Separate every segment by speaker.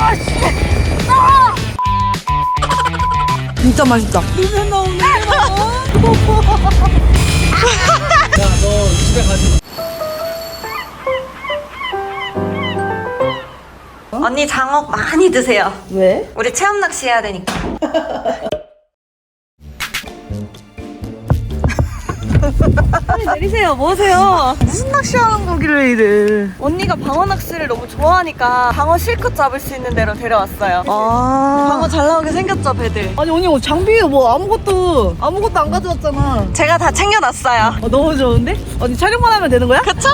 Speaker 1: 진짜 맛있다.
Speaker 2: 냄새 나오네. 야, 너 집에 가지.
Speaker 3: 언니 장어 많이 드세요.
Speaker 1: 왜?
Speaker 3: 우리 체험 낚시 해야 되니까. 빨리 내리세요. 뭐하세요?
Speaker 1: 무슨 낚시하는 거길래 이래.
Speaker 3: 언니가 방어 낚시를 너무 좋아하니까 방어 실컷 잡을 수 있는 데로 데려왔어요.
Speaker 1: 아.
Speaker 3: 방어 잘 나오게 생겼죠, 배들?
Speaker 1: 아니 언니 장비 뭐 아무것도 안 가져왔잖아.
Speaker 3: 제가 다 챙겨놨어요.
Speaker 1: 너무 좋은데? 언니 촬영만 하면 되는 거야?
Speaker 3: 그쵸?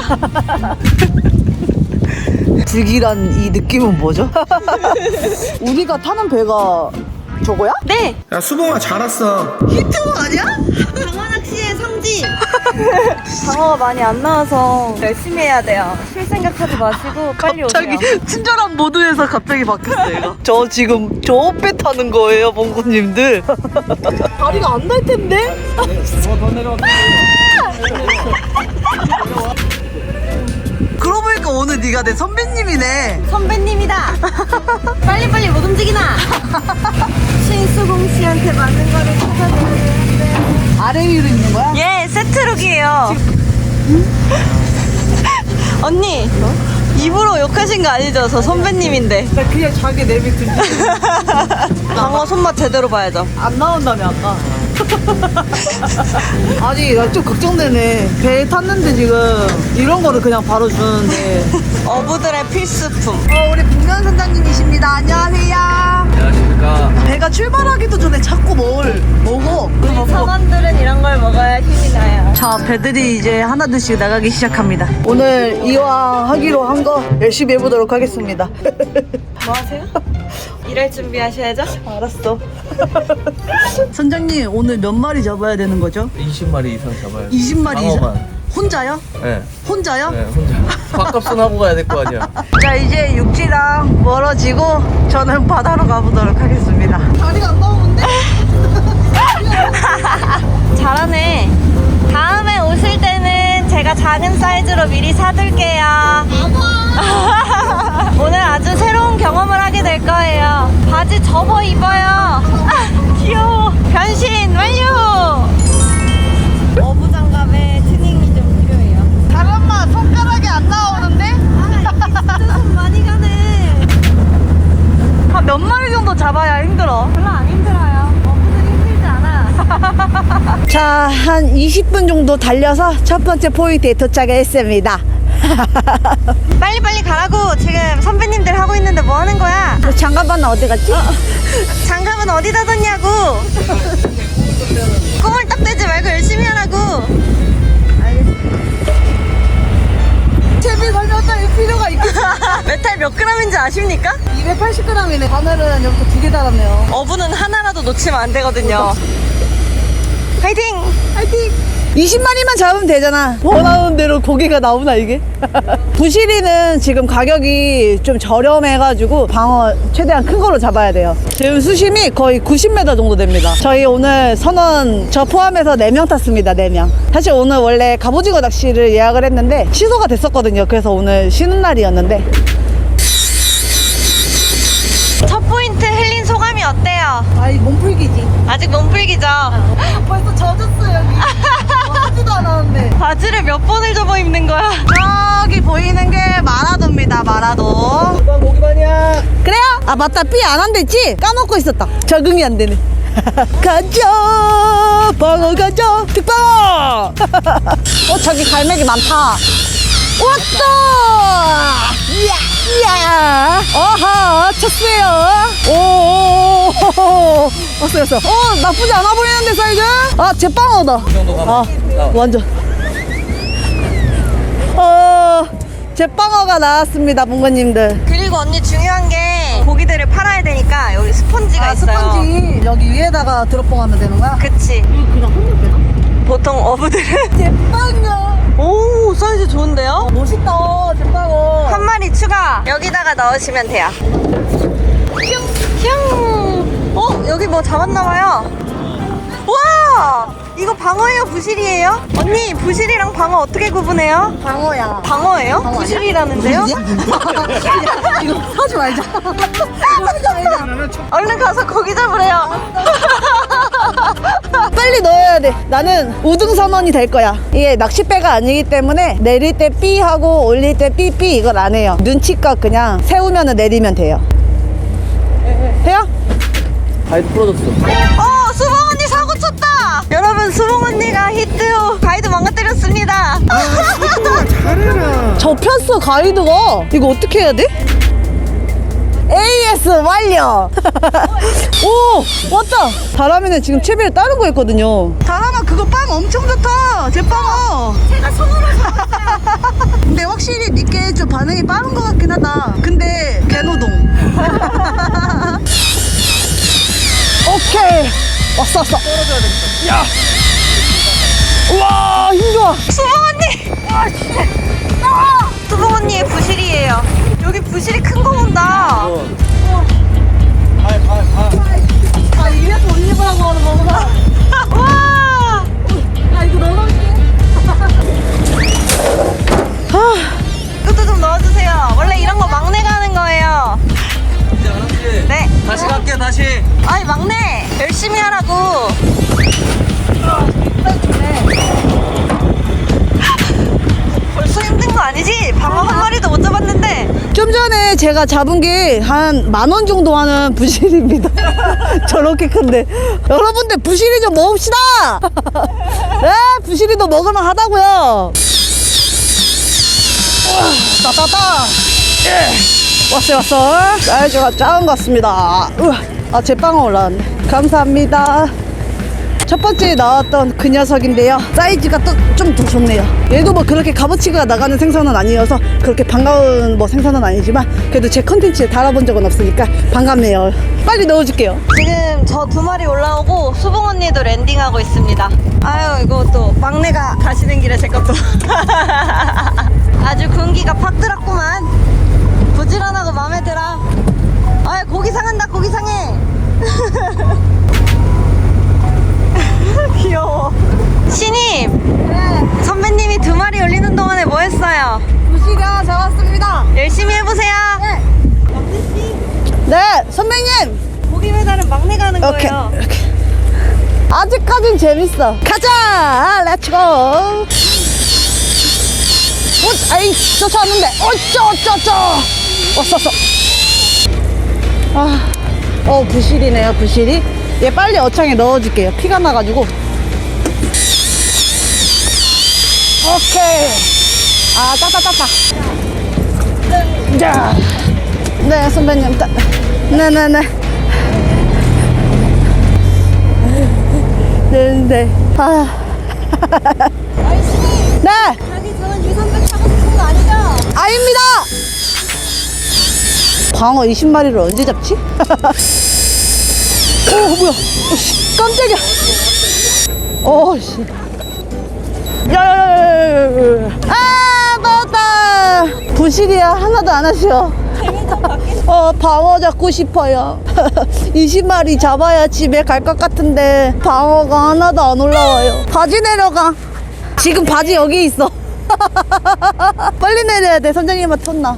Speaker 1: 불길한 이 느낌은 뭐죠? 우리가 타는 배가 저거야?
Speaker 3: 네!
Speaker 2: 야, 수봉아, 잘 왔어.
Speaker 1: 히트곡 아니야?
Speaker 3: 방어 낚시의 성지! 방어가 많이 안 나와서 열심히 해야 돼요. 쉴 생각하지 마시고 빨리
Speaker 1: 갑자기
Speaker 3: 오세요.
Speaker 1: 친절한 모드에서 갑자기 바뀌었어 얘가. 저 지금 저 배 타는 거예요 봉구님들. 다리가 안 날 텐데?
Speaker 2: 더 내려와.
Speaker 1: 그러고 보니까 오늘 네가 내 선배님이네.
Speaker 3: 선배님이다! 빨리빨리 못 움직이나! 신수공 씨한테 맞는 거를 찾아내야 되는데.
Speaker 1: 아래 위로 있는 거야?
Speaker 3: 예, 세트룩이에요. 언니, 입으로 욕하신 거 아니죠? 저 선배님인데.
Speaker 1: 나 그냥 자기 내비들
Speaker 3: 방어 손맛 제대로 봐야죠.
Speaker 1: 안 나온다며 아까. 아니 나 좀 걱정되네. 배 탔는데 지금 이런 거를 그냥 바로 주는데.
Speaker 3: 어부들의 필수품.
Speaker 1: 우리 북면 선장님이십니다. 안녕하세요.
Speaker 2: 안녕하십니까.
Speaker 1: 배가 출발하기도 전에 자꾸 뭘 먹어.
Speaker 3: 우리 선원들은 이런 걸 먹어야 힘이 나요.
Speaker 1: 자, 배들이 이제 하나둘씩 나가기 시작합니다. 오늘 이왕하기로 한 거 열심히 해보도록 하겠습니다.
Speaker 3: 뭐 하세요? 일할 준비하셔야죠.
Speaker 1: 알았어. 선장님 오늘 몇 마리 잡아야 되는 거죠?
Speaker 2: 20마리 이상 잡아야 돼.
Speaker 1: 20마리 이상?
Speaker 2: 방어만.
Speaker 1: 혼자요?
Speaker 2: 네.
Speaker 1: 혼자요?
Speaker 2: 네, 혼자. 밥값은 하고 가야 될 거 아니야.
Speaker 1: 자, 이제 육지랑 멀어지고 저는 바다로 가보도록 하겠습니다. 다리가 안 나오는데?
Speaker 3: 잘하네. 다음에 오실 때는 제가 작은 사이즈로 미리 사둘게요. 오늘 아주 새로운 경험을 하게 될 거예요. 바지 접어 입어요. 귀여워. 변신 완료. 어부 장갑에 튜닝이 좀 필요해요.
Speaker 1: 잠깐만, 손가락이 안 나오는데?
Speaker 3: 진짜 손 많이 가네.
Speaker 1: 한 몇 마리 정도 잡아야 힘들어?
Speaker 3: 별로 안 힘들어요. 어부들이 힘들지 않아.
Speaker 1: 자, 한 20분 정도 달려서 첫 번째 포인트에 도착했습니다.
Speaker 3: 빨리빨리 가라고. 지금 선배님들 하고 있는데 뭐 하는 거야?
Speaker 1: 장갑은 어디 갔지?
Speaker 3: 장갑은 어디다 뒀냐고. 꼬물딱대지 말고 열심히 하라고.
Speaker 1: 채비 설명할 필요가 있겠어.
Speaker 3: 메탈 몇 g인지 아십니까?
Speaker 1: 280g이네. 바늘은 이렇게 2개 달았네요.
Speaker 3: 어부는 하나라도 놓치면 안 되거든요. 화이팅!
Speaker 1: 화이팅! 20마리만 잡으면 되잖아. 원하는 대로 고기가 나오나 이게? 부시리는 지금 가격이 좀 저렴해가지고 방어 최대한 큰 걸로 잡아야 돼요. 지금 수심이 거의 90m 정도 됩니다. 저희 오늘 선원 저 포함해서 4명 탔습니다. 4명. 사실 오늘 원래 갑오징어 낚시를 예약을 했는데 취소가 됐었거든요. 그래서 오늘 쉬는 날이었는데
Speaker 3: 첫 포인트 흘린 소감이 어때요?
Speaker 1: 아이 몸풀기지.
Speaker 3: 아직 몸풀기죠?
Speaker 1: 벌써 젖었어 여기. 하지도 않았는데.
Speaker 3: 바지를 몇 번을 접어 입는 거야?
Speaker 1: 저기 보이는 게 마라도입니다. 마라도.
Speaker 2: 누가 고기만이야.
Speaker 1: 그래요? 아 맞다, 삐 안 한댔지? 까먹고 있었다. 적응이 안 되네. 가자 방어 가자 특방어. 저기 갈매기 많다. 왔다. 이야 어하 쳤어요. 오 왔어. 나쁘지 않아 보이는데 사이즈. 아 제빵어다.
Speaker 2: 이 정도 가면 나와.
Speaker 1: 완전 제빵어가 나왔습니다 봉건님들.
Speaker 3: 그리고 언니 중요한 게 고기들을 팔아야 되니까 여기 스펀지가 있어요.
Speaker 1: 스펀지 여기 위에다가 드롭봉하면 되는 거야?
Speaker 3: 그치.
Speaker 1: 그냥 흔들면 되나?
Speaker 3: 보통 어부들은
Speaker 1: 제빵어.
Speaker 3: 오 사이즈 좋은데요?
Speaker 1: 멋있다 제빵어.
Speaker 3: 한 마리 추가. 여기다가 넣으시면 돼요. 슝. 여기 뭐 잡았나봐요. 와 이거 방어예요, 부실이에요? 언니, 부실이랑 방어 어떻게 구분해요?
Speaker 1: 방어야.
Speaker 3: 방어예요? 부실이라는데요?
Speaker 1: 이거 하지 말자.
Speaker 3: 얼른 가서 고기 잡으래요.
Speaker 1: 빨리 넣어야 돼. 나는 우등선원이 될 거야. 이게 낚싯배가 아니기 때문에 내릴 때 삐 하고 올릴 때 삐삐 이걸 안 해요. 눈치껏 그냥 세우면 내리면 돼요. 해요?
Speaker 2: 가이드 풀어줬어.
Speaker 3: 수봉 언니 사고 쳤다. 여러분, 수봉 언니가 히트 후 가이드 망가뜨렸습니다.
Speaker 1: 접혔어 가이드가. 이거 어떻게 해야 돼? AS 완료. 오 왔다. 다람이는 지금 채비를 다른 거 했거든요. 다람아 그거 빵 엄청 좋다. 제 빵어.
Speaker 3: 제가 손으로
Speaker 1: 근데 확실히 니께 좀 반응이 빠른 것 같긴 하다. 근데 개노동. 오케이 왔어.
Speaker 2: 떨어져야 되겠다.
Speaker 1: 야. 우와 힘 좋아.
Speaker 3: 수봉 언니. 수봉 언니의 부실이에요. 여기 부실이 큰 거 온다.
Speaker 1: 아 이래서 올리브라고 하는 거구나.
Speaker 3: 와.
Speaker 1: 아 이거 넣어놓을게.
Speaker 3: 이것도 좀 넣어주세요. 원래 이런 거 막내가 하는 거예요.
Speaker 2: 이제 알았지?
Speaker 3: 네.
Speaker 2: 다시 갈게, 다시.
Speaker 3: 아이 막내 열심히 하라고. 벌써 힘든 거 아니지? 방어 한 마리도 못 잡았는데.
Speaker 1: 좀 전에 제가 잡은 게 한 10,000원 정도 하는 부실입니다. 저렇게 큰데. 여러분들 부실이 좀 먹읍시다. 네, 부실이도 먹을만 하다고요. 따따따. 왔어. 사이즈가 작은 것 같습니다. 아, 제 빵은 올라왔네. 감사합니다. 첫 번째 나왔던 그 녀석인데요. 사이즈가 또 좀 더 좋네요. 얘도 뭐 그렇게 값어치가 나가는 생선은 아니어서 그렇게 반가운 뭐 생선은 아니지만 그래도 제 컨텐츠에 달아본 적은 없으니까 반갑네요. 빨리 넣어줄게요.
Speaker 3: 지금 저 2마리 올라오고 수봉 언니도 랜딩하고 있습니다. 아유 이거 또 막내가 가시는 길에 제 것도 아주 군기가 팍 들었구만. 부지런하고 마음에 들어. 아유 고기 상한다, 고기 상해. 귀여워. 신임. 네. 선배님이 2마리 올리는 동안에 뭐 했어요?
Speaker 1: 부실이 하나 잡았습니다.
Speaker 3: 열심히 해보세요.
Speaker 1: 네, 선배님.
Speaker 3: 고기 배달은 막내가 하는
Speaker 1: 오케이.
Speaker 3: 거예요.
Speaker 1: 아직까진 재밌어. 가자. 렛츠고. 아이 쫓아왔는데. 어쩌. 왔어. 부실이네요. 부실이. 얘 빨리 어창에 넣어줄게요. 피가 나가지고. 오케이. 아 따따따따. 자. 네 선배님. 네네네. 네. 아. 네.
Speaker 3: 자기 저는 유선백 타고 싶은 거 아니죠?
Speaker 1: 아닙니다. 광어 20마리를 언제 잡지? 오 뭐야? 오씨 깜짝이야. 오씨. 야야야야야야. 아 맞다. 부실이야 하나도 안 하셔. 방어 잡고 싶어요. 20마리 잡아야 집에 갈 것 같은데 방어가 하나도 안 올라와요. 바지 내려가. 지금 바지 여기 있어. 빨리 내려야 돼. 선장님한테 혼나.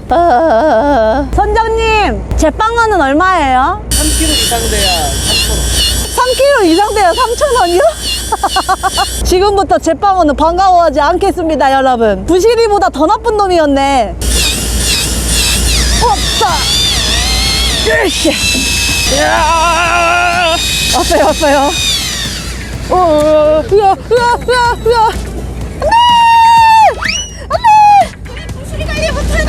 Speaker 1: 선장님 제 빵어는 얼마예요?
Speaker 2: 3kg 이상 돼야 3,000원.
Speaker 1: 3kg 이상 돼요. 3,000원이요? 지금부터 제 빵어는 반가워하지 않겠습니다 여러분. 부실이보다 더 나쁜 놈이었네. 없다. 으쌰. 왔어요. 으아. 안돼.
Speaker 3: 부실이 관리 못하냐?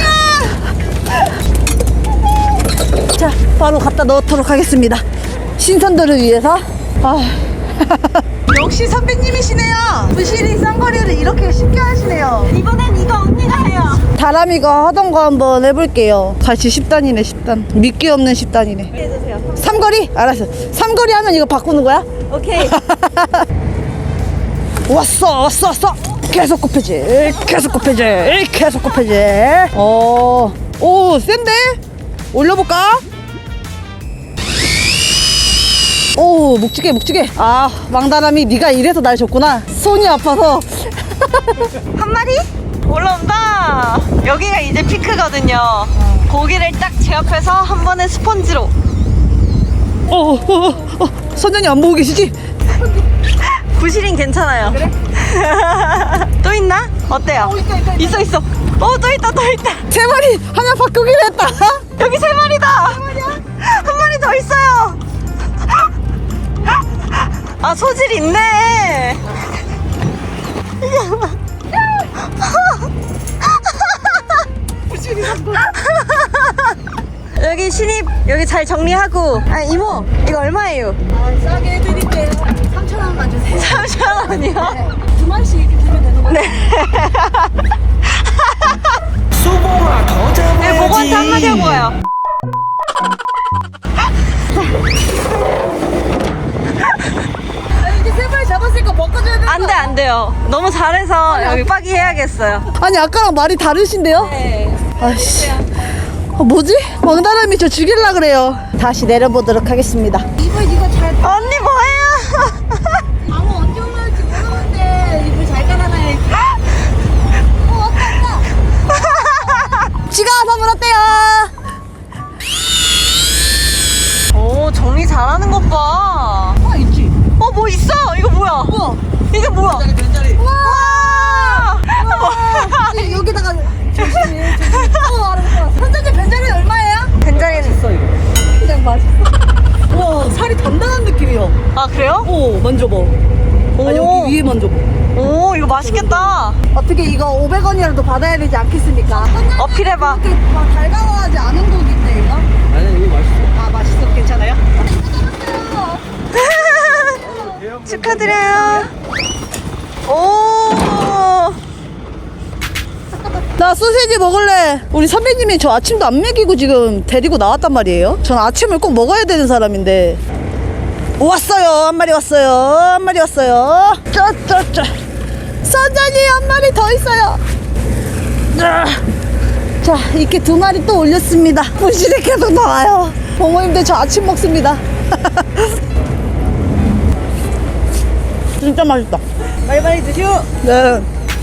Speaker 1: 자, 바로 갖다 넣도록 하겠습니다. 신선도를 위해서. 역시 선배님이시네요. 부실이 쌍거리를 이렇게 쉽게 하시네요.
Speaker 3: 이번엔 이거 언니가 해요.
Speaker 1: 다람이가 하던 거 한번 해볼게요. 같이 10단이네 10단. 믿기 없는 10단이네.
Speaker 3: 해주세요.
Speaker 1: 삼거리? 알았어. 삼거리 하면 이거 바꾸는 거야?
Speaker 3: 오케이.
Speaker 1: 왔어. 계속 굽혀지. 오 센데? 올려볼까? 오, 묵직해, 묵직해. 아, 망다람이 네가 이래서 날 줬구나. 손이 아파서.
Speaker 3: 한 마리? 올라온다. 여기가 이제 피크거든요. 고기를 딱 제압해서 한 번에 스펀지로.
Speaker 1: 선장님 안 보고 계시지?
Speaker 3: 부실인 괜찮아요. 그래? 또 있나? 어때요? 있어. 있어. 또 있다.
Speaker 1: 세 마리 하나 바꾸기로 했다.
Speaker 3: 여기 세 마리다. 한 마리 더 있어요. 아, 소질 있네. 여기 신입 여기 잘 정리하고. 아, 이모 이거 얼마예요?
Speaker 1: 싸게 해드릴게요. 3,000원만 주세요.
Speaker 3: 3,000원이요?
Speaker 1: 네. 두 마리씩 이렇게 주면 되는 거예요?
Speaker 3: 네. 네, 보고한테 한마디 하고 가요.
Speaker 1: 이제 세 마리 잡았으니까 먹어줘야 돼.
Speaker 3: 안 돼요. 너무 잘해서 여기 빠기 해야겠어요.
Speaker 1: 아니, 아까랑 말이 다르신데요?
Speaker 3: 네.
Speaker 1: 아이씨. 뭐지? 망다람이 저 죽일라 그래요. 다시 내려보도록 하겠습니다.
Speaker 4: 이불 이거 잘
Speaker 3: 언니 뭐해요?
Speaker 4: 방어 언제 올라올지 모르는데 이불 잘 깔아놔야지. 왔다.
Speaker 1: 지가 선물 어때요?
Speaker 3: 오, 정리 잘하는 것 봐.
Speaker 1: 있지.
Speaker 3: 뭐 있어? 이거 뭐야? 이게 뭐야?
Speaker 2: 벤자리.
Speaker 3: 와!
Speaker 4: 여기다가 조심히. 알았어. 선생님 벤자리 얼마예요?
Speaker 3: 벤자리는 있어 이거.
Speaker 4: 그냥 맛있어.
Speaker 1: 와, 살이 단단한 느낌이요.
Speaker 3: 아, 그래요?
Speaker 1: 오, 만져봐. 아, 여기 위에 만져봐.
Speaker 3: 오, 이거 맛있겠다.
Speaker 1: 어떻게 이거 500원이라도 받아야 되지 않겠습니까?
Speaker 3: 어필해봐.
Speaker 4: 이렇게 막 달가워하지 않은 고기인데 이거?
Speaker 2: 아니 이거 맛있어.
Speaker 1: 아, 맛있어. 괜찮아요?
Speaker 3: 축하드려요. 오.
Speaker 1: 나 소세지 먹을래. 우리 선배님이 저 아침도 안 먹이고 지금 데리고 나왔단 말이에요. 전 아침을 꼭 먹어야 되는 사람인데. 왔어요. 한 마리 왔어요. 한 마리 왔어요. 쩌쩌쩌. 선장님 한 마리 더 있어요. 자, 이렇게 두 마리 또 올렸습니다. 부실이 계속 나와요. 부모님들 저 아침 먹습니다. 진짜 맛있다.
Speaker 3: 빨리빨리 드시오.
Speaker 1: 네.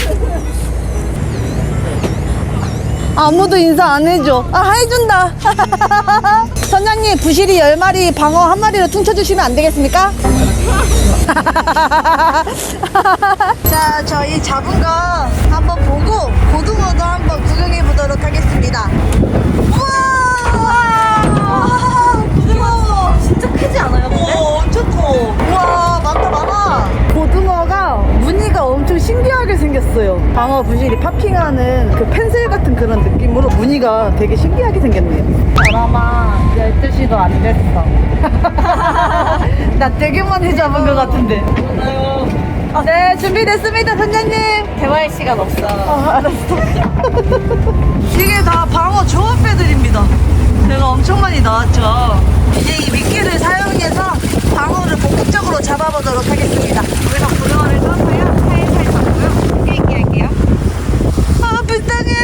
Speaker 1: 아무도 인사 안 해줘. 아, 해준다. 선장님, 부실이 10마리, 방어 1마리로 퉁쳐주시면 안 되겠습니까? 자, 저희 잡은 거 한번 보고 고등어도 한번 구경해 보도록 하겠습니다. 우와! 고등어
Speaker 3: 진짜 크지 않아요, 근데?
Speaker 1: 엄청 커. 우와, 많아. 고등어가 무늬가 엄청 신기하게 생겼어요. 방어 부실이 파핑하는 그 펜슬 같은 그런 느낌으로 무늬가 되게 신기하게 생겼네요. 드라마 12시도 안 됐어. 나 되게 많이 잡은 것 같은데. 네, 준비됐습니다, 선장님.
Speaker 3: 대화할 시간 없어.
Speaker 1: 알았어. 이게 다 방어 조합배들입니다. 내가 엄청 많이 나왔죠. 이제 이 미끼를 사용해서 방어를 본격적으로 잡아보도록 하겠습니다.
Speaker 3: 여기서 고등어를 떠서요. 살살 잡고요. 깨있게 할게요.
Speaker 1: 아, 불쌍해.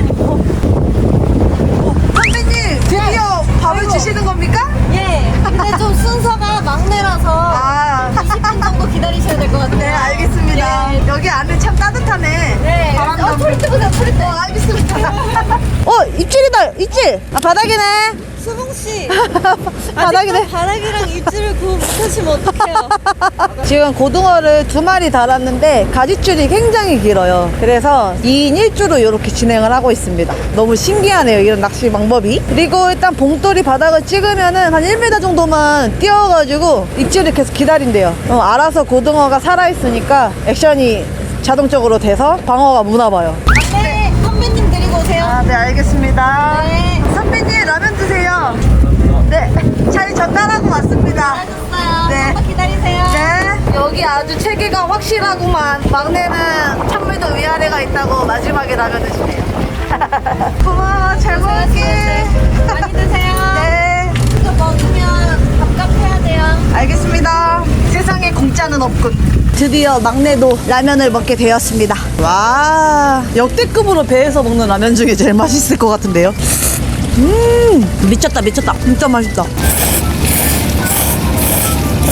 Speaker 1: 선배님, 드디어 밥을 주시는 겁니까?
Speaker 4: 예. 근데 좀 순서가 막내라서
Speaker 1: 아,
Speaker 4: 20분 정도 기다리셔야 될 것 같아요.
Speaker 1: 네, 알겠습니다.
Speaker 4: 예.
Speaker 1: 여기 안에 참 따뜻하네.
Speaker 4: 네.
Speaker 1: 바람도
Speaker 4: 소리 뜨보세요. 소리 뜨.
Speaker 1: 알겠습니다. 입질이다, 입질. 아, 바닥이네.
Speaker 3: 수봉 씨.
Speaker 1: 바닥이네.
Speaker 3: 바닥이랑 입질을 구분 못하시면 어떡해요?
Speaker 1: 지금 고등어를 2마리 달았는데 가지줄이 굉장히 길어요. 그래서 2인 1주로 이렇게 진행을 하고 있습니다. 너무 신기하네요, 이런 낚시 방법이. 그리고 일단 봉돌이 바닥을 찍으면은 한 1m 정도만 띄워가지고 입질을 계속 기다린대요. 알아서 고등어가 살아있으니까 액션이 자동적으로 돼서 방어가 무나봐요.
Speaker 4: 네. 선배님 데리고 오세요.
Speaker 1: 아, 네, 알겠습니다.
Speaker 4: 네.
Speaker 1: 선배님, 라면 드세요. 네, 잘 전달하고 왔습니다.
Speaker 4: 잘하셨어요.
Speaker 1: 네.
Speaker 4: 한번 기다리세요.
Speaker 1: 네. 여기 아주 체계가 확실하구만. 막내는 찬물도 위아래가 있다고 마지막에 라면을 주네요. 고마워. 잘 먹을게.
Speaker 4: 많이 드세요.
Speaker 1: 네.
Speaker 4: 이거 먹으면 밥값 해야 돼요.
Speaker 1: 알겠습니다. 세상에 공짜는 없군. 드디어 막내도 라면을 먹게 되었습니다. 와, 역대급으로 배에서 먹는 라면 중에 제일 맛있을 것 같은데요. 미쳤다. 진짜 맛있다.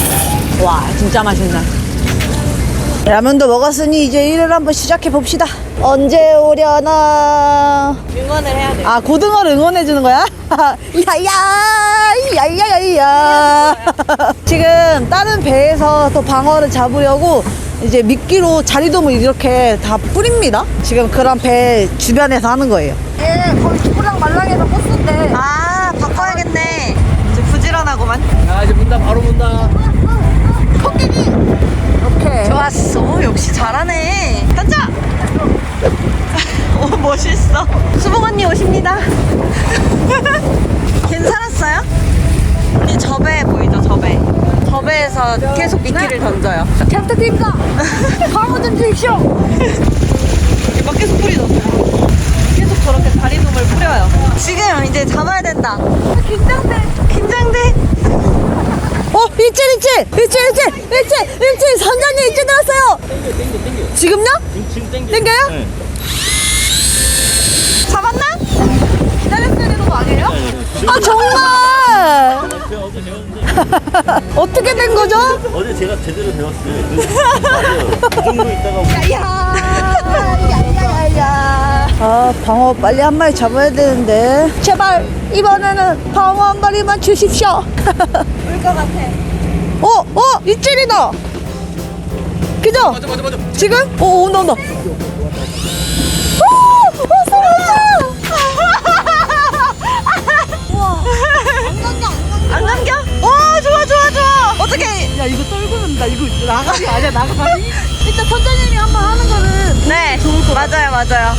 Speaker 1: 와, 진짜 맛있네. 라면도 먹었으니 이제 일을 한번 시작해 봅시다. 언제 오려나?
Speaker 3: 응원을 해야 돼.
Speaker 1: 아, 고등어를 응원해 주는 거야? 야야야야야야. 지금 다른 배에서 또 방어를 잡으려고 이제 미끼로 자리돔을 이렇게 다 뿌립니다. 지금 그런 배 주변에서 하는 거예요. 예, 거기 두부랑 말랑에서 버스인데.
Speaker 3: 아, 바꿔야겠네. 이제 부지런하고만.
Speaker 2: 야, 이제 문다, 바로 문다.
Speaker 1: 이렇게.
Speaker 3: 좋았어. 역시 잘하네. 던져! 오, 멋있어. 수봉 언니 오십니다. 괜찮았어요? 우리 저배 보이죠, 저배. 저배에서 계속 미끼를 던져요.
Speaker 1: 잘 부탁드립니다. 방어 좀 주십시오.
Speaker 3: 여기 막 계속 뿌리졌어요. 계속 저렇게 다리돔을 뿌려요. 지금 이제 잡아야 된다. 긴장돼. 긴장돼.
Speaker 1: 일질 선장님 일질 들었어요. 지금요?
Speaker 2: 지금 땡겨.
Speaker 1: 땡겨요?
Speaker 2: 네.
Speaker 3: 잡았나?
Speaker 1: 기다렸어야 되는 거 아니에요? 아, 정말.
Speaker 2: 제가 어제 배웠는데.
Speaker 1: 어떻게 된 거죠?
Speaker 2: 어제 제가 제대로 배웠어요. 맞아요. 그 정도 있다가.
Speaker 1: 아, 방어 빨리 한 마리 잡아야 되는데. 제발 이번에는 방어 한 마리만 주십시오.
Speaker 3: 올 것 같아.
Speaker 1: 입질이다. 그죠?
Speaker 2: 맞아.
Speaker 1: 지금? 온다. 왔어.
Speaker 3: 안 감겨? 오, 좋아. 어떻게?
Speaker 1: 야, 이거 떨구는다. 이거 나가리 아니야, 나가리. 일단 선장님이 한번 하는 거는
Speaker 3: 네, 맞아요.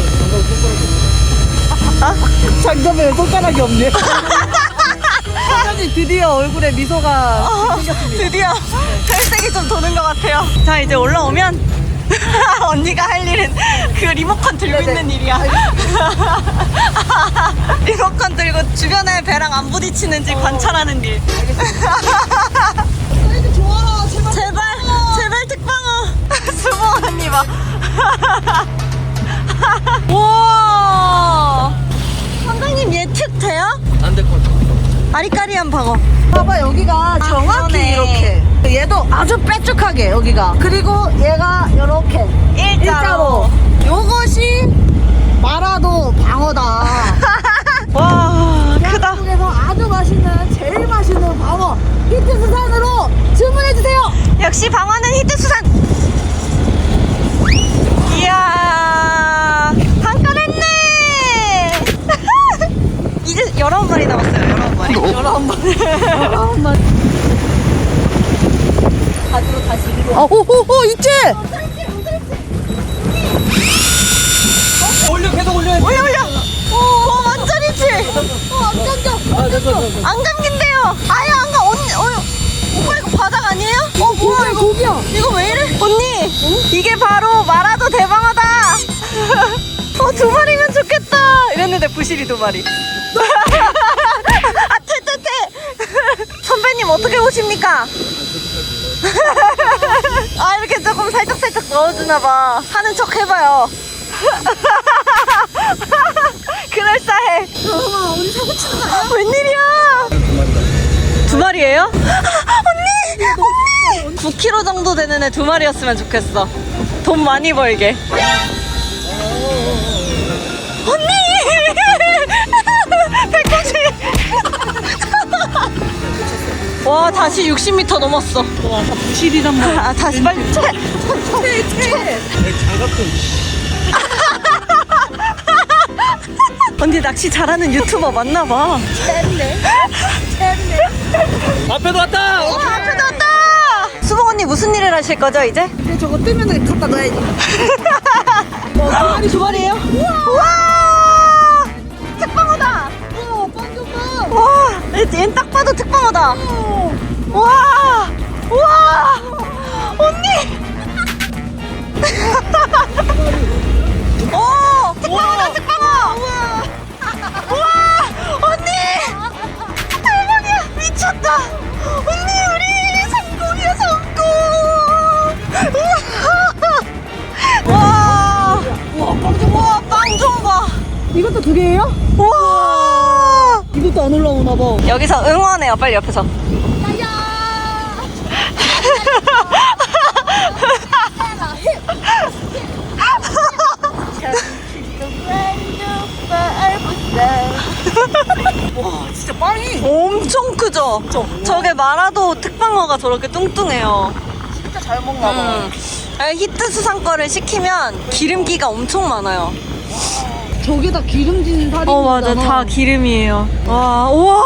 Speaker 1: 장점에 손가락이 없네. 선장님 드디어 얼굴에 미소가 생겼습니다.
Speaker 3: 드디어 혈색이 좀 도는 것 같아요. 자, 이제 올라오면 언니가 할 일은 그 리모컨 들고
Speaker 1: 네네.
Speaker 3: 있는 일이야. 리모컨 들고 주변에 배랑 안 부딪히는지 관찰하는 일.
Speaker 1: 사이즈 좋아,
Speaker 3: 제발 특방어. 수봉 언니 봐. 와, 선장님 예측 돼요?
Speaker 2: 안 될 것 같아.
Speaker 3: 아리까리한 방어.
Speaker 1: 봐봐, 여기가 정확히
Speaker 3: 그러네.
Speaker 1: 이렇게. 얘도 아주 빼쭉하게 여기가. 그리고 얘가 이렇게 일자로. 요것이 마라도 방어다.
Speaker 3: 와, 크다.
Speaker 1: 대한민국에서 아주 맛있는 제일 맛있는 방어 히트 수산으로 주문해 주세요.
Speaker 3: 역시 방어는 히트 수산. 이야, 한 건 했네. 이제 11마리 남았어요. 11마리. 가지로 다시 위로.
Speaker 1: 오호호 있지.
Speaker 2: 계속 올려.
Speaker 3: 올려. 오, 완전이지. 안 감겨. 안 감긴대요. 아예 안 가. 언니, 오빠 이거 바닥 아니에요? 뭐야 이거?
Speaker 1: 고기야.
Speaker 3: 이거 왜 이래? 언니, 이게 바로 마라도 대방어다. 2마리면 좋겠다. 이랬는데 부실이 2마리. 아, 퇴. 선배님 어떻게 오십니까? 아, 이렇게 조금 살짝 넣어주나봐. 하는 척 해봐요. 그럴싸해.
Speaker 1: 우리 사고 치는 거 아니야?
Speaker 3: 웬일이야? 2마리예요? 언니! 9kg 정도 되는 애 2마리였으면 좋겠어. 돈 많이 벌게. 언니! 배꼽이! 와, 다시 60m 넘었어.
Speaker 1: 와, 부실이란 말이야.
Speaker 3: 아, 다시 빨리
Speaker 1: 퇴.
Speaker 2: 장갑 좀.
Speaker 3: 언니 낚시 잘하는 유튜버 맞나봐.
Speaker 2: 앞에도 왔다.
Speaker 3: 앞에도 왔다. 수봉 언니 무슨 일을 하실 거죠 이제?
Speaker 1: 근데 저거 뜨면 갖다 놔야지. 두 마리예요?
Speaker 3: 우와! 특방어다.
Speaker 1: 빵
Speaker 3: 와, 얘는 딱 봐도 특방어다. 와, 언니. 오, 특방어. 우와, 언니. 대박이야, 미쳤다. 언니, 우리 성공이야, 성공. 우와, 우와, 빵 좀 봐.
Speaker 1: 이것도 2개예요?
Speaker 3: 우와.
Speaker 1: 이것도 안 올라오나 봐.
Speaker 3: 여기서 응원해요, 빨리 옆에서.
Speaker 1: 와 진짜 빵이
Speaker 3: 엄청 크죠? 저게 마라도 특방어가 저렇게 뚱뚱해요.
Speaker 1: 진짜 잘 먹나 봐.
Speaker 3: 히트 수상 거를 시키면 기름기가 엄청 많아요.
Speaker 1: 저게 다 기름진 살이.
Speaker 3: 맞아, 다 기름이에요. 와, 우와!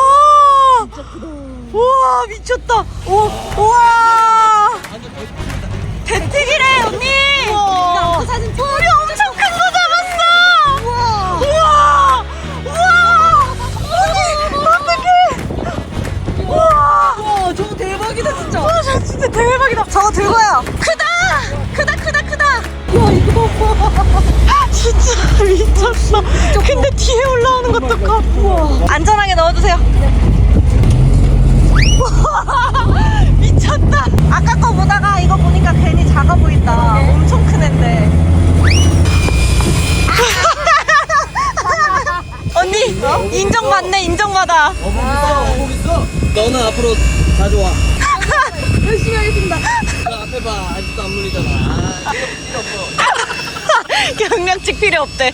Speaker 3: 우와, 미쳤다. 우와! 대특이래, 언니! 우와! 사진 우리 엄청 큰 거 잡았어! 우와! 우와! 우와! 언니, 어떡해! 우와!
Speaker 1: 와 저거 대박이다 진짜.
Speaker 3: 와, 저 진짜 대박이다. 저거 들고요. 크다! 크다, 크다, 크다!
Speaker 1: 와 이거 봐.
Speaker 3: 진짜 미쳤어. 근데 뒤에 올라오는 것도 커. 우와. 안전하게 넣어주세요. 우와, 미쳤다. 아까 거 보다가 이거 보니까 괜히 작아 보인다. 엄청 큰 앤데. 언니 인정받네, 인정받아.
Speaker 2: 거기 있어. 너는 앞으로 가져와.
Speaker 1: 열심히 하겠습니다.
Speaker 2: 너 앞에 봐. 아직도 안 물리잖아. 필요 없어.
Speaker 3: 경량직 필요 없대.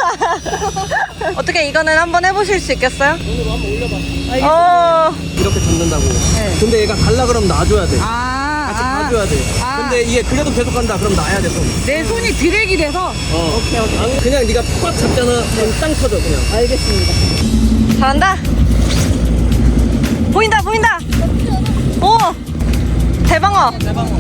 Speaker 3: 어떻게 이거는 한번 해보실 수 있겠어요?
Speaker 2: 오늘 한번 올려봐. 이렇게 잡는다고. 근데 얘가 갈라 그러면 놔줘야 돼. 같이 가줘야 돼. 근데 얘 그래도 계속 간다. 그럼 놔야 돼, 손.
Speaker 1: 내 손이 드랙이 돼서.
Speaker 2: 오케이. 그냥 네가 꽉 잡잖아. 그럼 땅 터져, 그냥.
Speaker 1: 알겠습니다.
Speaker 3: 잘한다. 보인다, 보인다. 오, 대방어.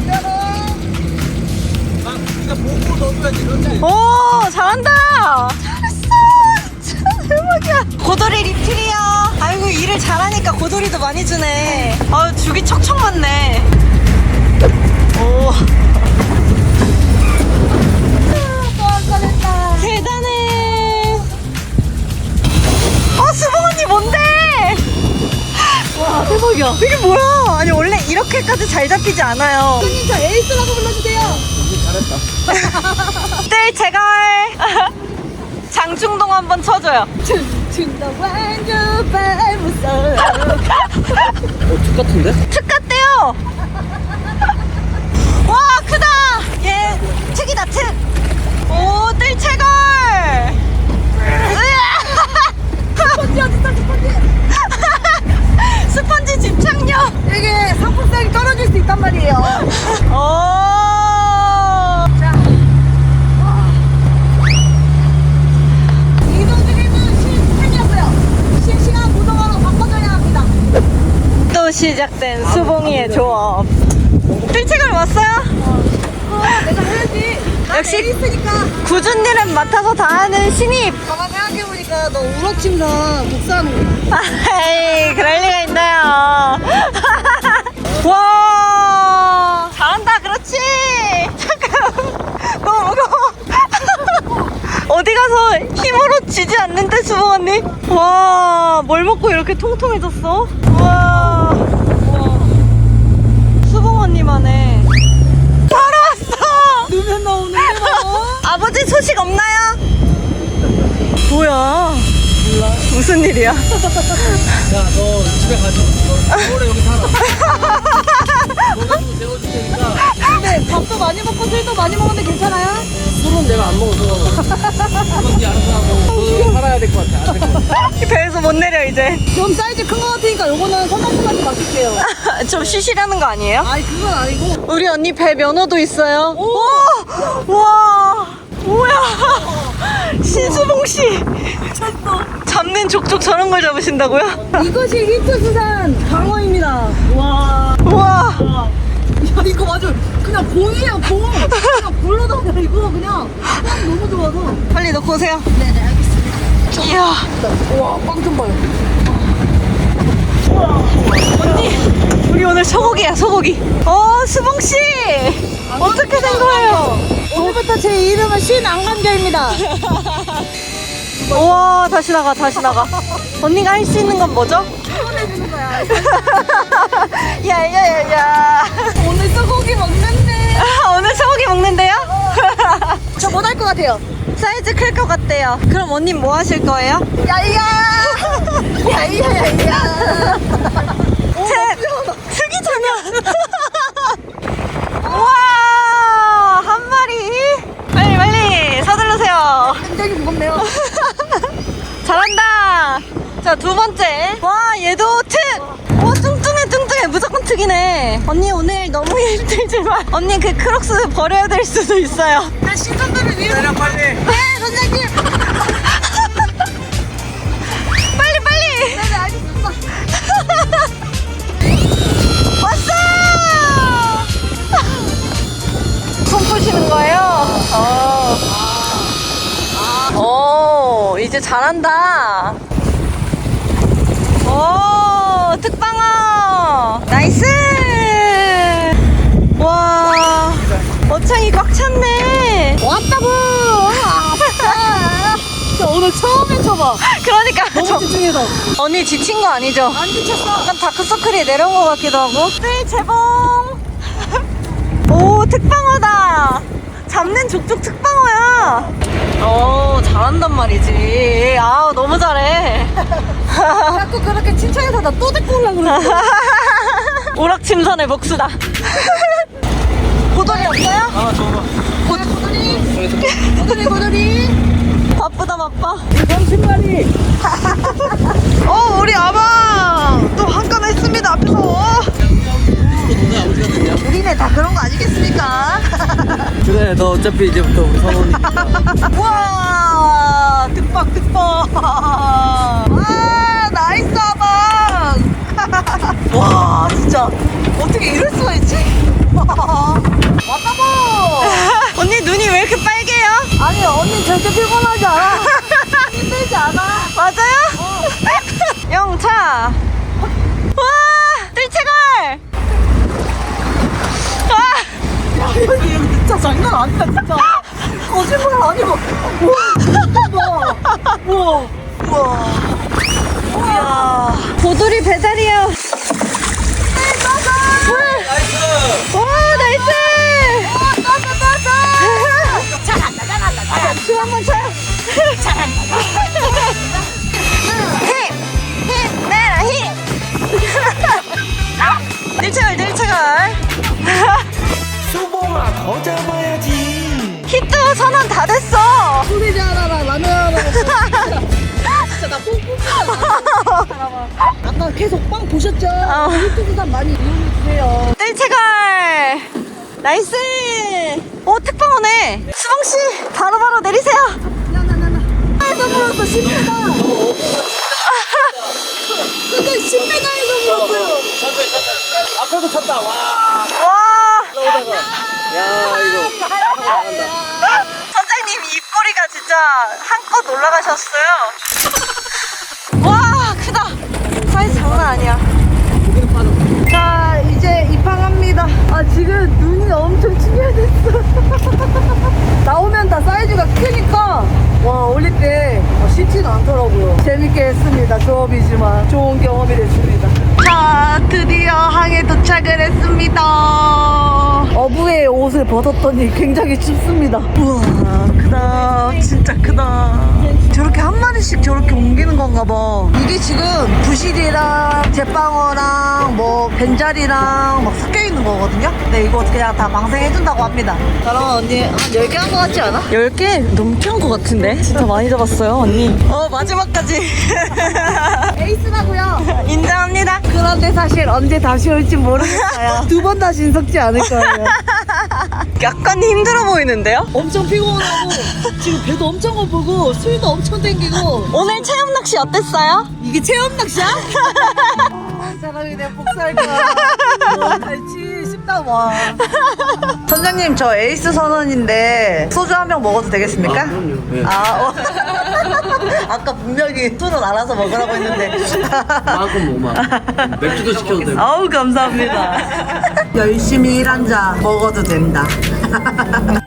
Speaker 2: 네가 보고 넣어줘야지, 그렇지?
Speaker 3: 오, 잘한다. 잘했어. 진짜 대박이야. 고돌이 리필이요. 아이고, 일을 잘하니까 고돌이도 많이 주네. 아유, 죽이 척척 많네. 오. 대단해. 수봉 언니 뭔데?
Speaker 1: 와 대박이야.
Speaker 3: 이게 뭐야? 아니, 원래 이렇게까지 잘 잡히지 않아요.
Speaker 1: 손님 저 에이스라고 불러주세요.
Speaker 3: 뜰 제갈. 장충동 한번 쳐줘요.
Speaker 1: 춘춘다 완전 발무서.
Speaker 2: 툭 같은데?
Speaker 3: 특 같대요. 와, 크다. 얘 특이다, 특. 오, 뜰 채걸.
Speaker 1: 스펀지 어딨어 스펀지.
Speaker 3: 스펀지 집착력.
Speaker 1: 이게 상품성이 떨어질 수 있단 말이에요.
Speaker 3: 오.
Speaker 1: 자. 이동 중에는 실시간이었고요. 실시간 구동화로 바꿔줘야 합니다.
Speaker 3: 또 시작된 수봉이의 조업. 뜰채걸 왔어요?
Speaker 1: 내가 해야지.
Speaker 3: 역시
Speaker 1: 에이스니까.
Speaker 3: 굳은 일은 맡아서 다 하는 신입.
Speaker 1: 가만 생각해보니까 너 우럭침상 복사하는 거야.
Speaker 3: 에이, 그럴 리가 있나요? 와, 잘한다. 그렇지. 잠깐, 너무 무거워. 어디 가서 힘으로 쥐지 않는데, 수봉 언니? 와, 뭘 먹고 이렇게 통통해졌어? 와, 수봉 언니만해. 바로 왔어.
Speaker 1: 누면 나오는데 뭐.
Speaker 3: 아버지 소식 없나요? 뭐야? 몰라. 무슨 일이야?
Speaker 2: 야, 너 집에 가지. 너 오래 여기 살아. 너 가지고 재워줄 테니까.
Speaker 1: 근데 밥도 많이 먹고 술도 많이 먹는데 괜찮아요?
Speaker 2: 술은 내가 안 먹어서. 그건 네 알아서 하고. 너 여기 살아야 될 것 같아. 안 될 것 같아.
Speaker 3: 배에서 못 내려 이제.
Speaker 1: 좀 사이즈 큰 거 같으니까 요거는 선생님한테 맡길게요.
Speaker 3: 좀 쉬시라는 거 아니에요?
Speaker 1: 아니 그건 아니고.
Speaker 3: 우리 언니 배 면허도 있어요.
Speaker 1: 오!
Speaker 3: 와, 뭐야? 신수봉 씨. 잡는 족족 저런 걸 잡으신다고요?
Speaker 1: 이것이 히트수산 방어입니다. 와.
Speaker 3: 와,
Speaker 1: 야 이거 맞아. 그냥 공이에요 공. 그냥 불러다가 이거 그냥 빵이 너무 좋아서.
Speaker 3: 빨리 넣고 오세요.
Speaker 1: 네네 알겠습니다.
Speaker 3: 이야,
Speaker 1: 와 빵 좀 봐요.
Speaker 3: 언니, 우리 오늘 소고기야, 소고기. 수봉 씨, 어떻게 된 거예요?
Speaker 1: 오늘부터 제 이름은 신안감자입니다.
Speaker 3: 우와, 다시 나가, 다시 나가. 언니가 할 수 있는 건 뭐죠?
Speaker 1: 응원해주는 거야.
Speaker 3: 야야야야.
Speaker 1: 오늘 소고기 먹는데.
Speaker 3: 오늘 소고기 먹는데요?
Speaker 1: 저 못 할 것 같아요.
Speaker 3: 사이즈 클 것 같대요. 그럼 언니 뭐 하실 거예요?
Speaker 1: 야이야. 야이야야이야.
Speaker 3: 특이잖아. 우와, 한 마리. 빨리 서두르세요.
Speaker 1: 굉장히 무겁네요.
Speaker 3: 잘한다. 자, 두 번째. 와, 얘도 특. 와, 뚱뚱해. 무조건 특이네. 언니 오늘 너무 힘들지만 언니 그 크록스 버려야 될 수도 있어요.
Speaker 1: 나 신선들을 위해.
Speaker 2: 내려 빨리.
Speaker 1: 네, 선생님.
Speaker 3: 빨리.
Speaker 1: 네, 알겠습니다.
Speaker 3: 왔어. 손 푸시는 거예요? 오, 이제 잘한다. 오, 특방어. 나이스. 와, 어창이 꽉 찼네.
Speaker 1: 왔다고. 저 오늘 처음 해쳐봐.
Speaker 3: 그러니까
Speaker 1: 너무 집중해서.
Speaker 3: 언니 지친 거 아니죠?
Speaker 1: 안 지쳤어.
Speaker 3: 약간 다크서클이 내려온 것 같기도 하고. 네, 재봉. 오, 특방어다. 잡는 족족 특방어야. 오, 잘한단 말이지. 아우, 너무 잘해.
Speaker 1: 자꾸 그렇게 칭찬해서 나 또 데리고 오려고 그러지.
Speaker 3: 오락침선의 복수다. 고돌이 없어요?
Speaker 2: 아 저거.
Speaker 1: 고돌이.
Speaker 3: 바쁘다 바빠.
Speaker 1: 30마리.
Speaker 3: 우리 아방 또 한 건 했습니다 앞에서. 우리네 다 그런 거 아니겠습니까?
Speaker 2: 그래 너 어차피 이제부터 우리 선원이니까.
Speaker 3: 와, 특박. 와, 나이스 아방. 와, 진짜 어떻게 이럴 수가 있지? 왔다고. 언니 눈이 왜 이렇게 빨개요?
Speaker 1: 아니 언니 절대 피곤하지 않아. 힘들지 않아.
Speaker 3: 맞아요? 영차. 와, 뜰채걸. 와,
Speaker 1: 야 여기 진짜 장난 아니다 진짜. 거짓말 아니고. 우와.
Speaker 3: 이야, 고돌이 배달이에요.
Speaker 2: 나이스.
Speaker 3: 와, 나이스. 춤 한번 춰요. 힘 내라 힘. 닐채걸.
Speaker 2: 수봉아 더 잡아야지.
Speaker 3: 히트 선언 다 됐어.
Speaker 1: 소세지 하나랑 라면 하나 먹고. 진짜 나 뽕뽕이야. 아까 계속 빵 보셨죠? 유튜브 산 많이 이용해주세요.
Speaker 3: 뜰채걸. 나이스. 오, 특방어네. 수봉씨 바로바로 내리세요.
Speaker 1: 나나나나. 에서 물었어 10m. 그거 10m에서 물었어요.
Speaker 2: 천천히. 앞에도 쳤다. 와.
Speaker 3: 와,
Speaker 2: 나오다가. 야 이거. 나간다.
Speaker 3: 선장님 입꼬리가 진짜 한껏 올라가셨어요. 와, 크다. 사이즈 장난 아니야.
Speaker 1: 자 이제 입항합니다. 아 지금 눈이 엄청 충혈됐어. 나오면 다 사이즈가 크니까 와 올릴 때 쉽지는 않더라고요. 재밌게 했습니다. 조업이지만 좋은 경험이 됐습니다. 자 드디어 항에 도착을 했습니다. 어부의 옷을 벗었더니 굉장히 춥습니다. 우와 크다. 진짜 크다. 저렇게 한 마리씩 저렇게 옮기는 건가 봐. 이게 지금 부실이랑 제빵어랑 뭐 벤자리랑 막 섞여 있는 거거든요. 근데 이거 그냥 다 방생해준다고 합니다. 저랑 언니 한 10개 한 거 같지 않아?
Speaker 3: 10개 넘게 한 것 같은데? 진짜 많이 잡았어요, 언니. 마지막까지.
Speaker 1: 에이스라고요.
Speaker 3: 인정합니다.
Speaker 1: 그런데 사실 언제 다시 올지 모르겠어요. 두 번 다시 섞지 않을 거예요.
Speaker 3: 약간 힘들어 보이는데요?
Speaker 1: 엄청 피곤하고 지금 배도 엄청 고프고 술도 엄청 땡기고.
Speaker 3: 오늘 체험 낚시 어땠어요?
Speaker 1: 이게 체험 낚시야? 사람이 내 복살 거야. 갈치 싶다 와. 선장님 저 에이스 선언인데 소주 한 병 먹어도 되겠습니까?
Speaker 2: 아, 그럼요. 네.
Speaker 1: 아까 분명히 술은 알아서 먹으라고 했는데.
Speaker 2: 마음껏 먹어. 맥주도 시켜도 되고.
Speaker 1: 아우 감사합니다. 열심히 일한 자 먹어도 된다.